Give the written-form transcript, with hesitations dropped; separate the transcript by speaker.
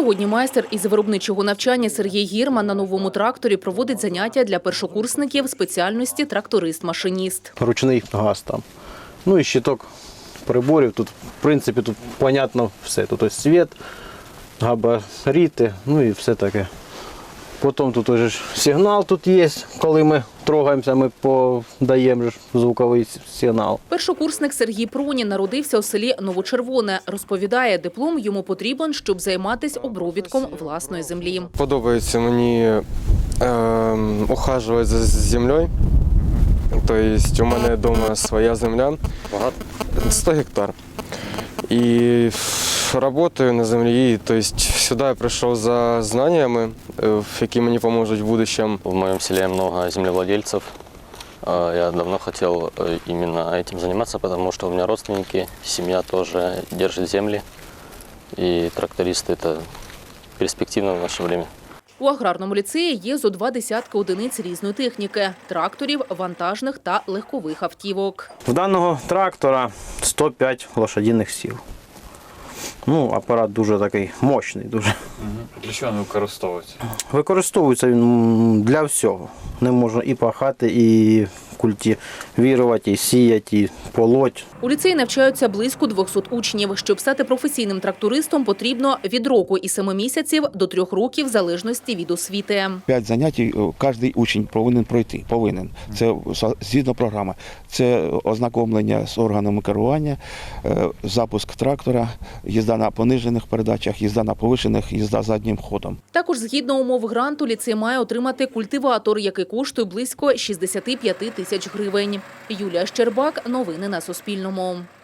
Speaker 1: Сьогодні майстер із виробничого навчання Сергій Гірман на новому тракторі проводить заняття для першокурсників спеціальності тракторист-машиніст.
Speaker 2: Ручний газ там. Ну і щиток приборів. Тут, в принципі, тут понятно все. Тут ось світ, габарити, ну і все таке. Потім тут уже сигнал тут є, коли ми трогаємося, ми подаємо звуковий сигнал.
Speaker 1: Першокурсник Сергій Пронін народився у селі Новочервоне. Розповідає, диплом йому потрібен, щоб займатися обробітком власної землі.
Speaker 3: Подобається мені ухажувати за землею. Тобто у мене вдома своя земля, 100 гектар. І працюю на землі, тобто сюди я прийшов за знаннями, які мені допоможуть в будущем.
Speaker 4: В моем селе много землевладельцев. Я давно хотел именно этим заниматься, потому что у меня родственники, семья тоже держит земли. И трактористы – это перспективно в наше время.
Speaker 1: У аграрному ліцеї є зо 20 одиниць різної техніки – тракторів, вантажних та легкових автівок.
Speaker 2: В даного трактора 105 лошадиних сил. Ну, апарат дуже такий мощний. Дуже.
Speaker 5: Для чого він використовується?
Speaker 2: Використовується він для всього. Не можна і пахати, і культивувати, і сіяти, і полоть.
Speaker 1: У ліцеї навчаються близько 200 учнів. Щоб стати професійним трактористом, потрібно від року і 7 місяців до 3 років в залежності від освіти.
Speaker 6: 5 занять кожен учень повинен пройти. Це згідно програми. Це ознакомлення з органами керування, запуск трактора, їзда на понижених передачах, їзда на повишених, їзда заднім ходом.
Speaker 1: Також згідно умов гранту ліцей має отримати культиватор, який коштує близько 65 тисяч гривень. Юлія Щербак. Новини на Суспільному.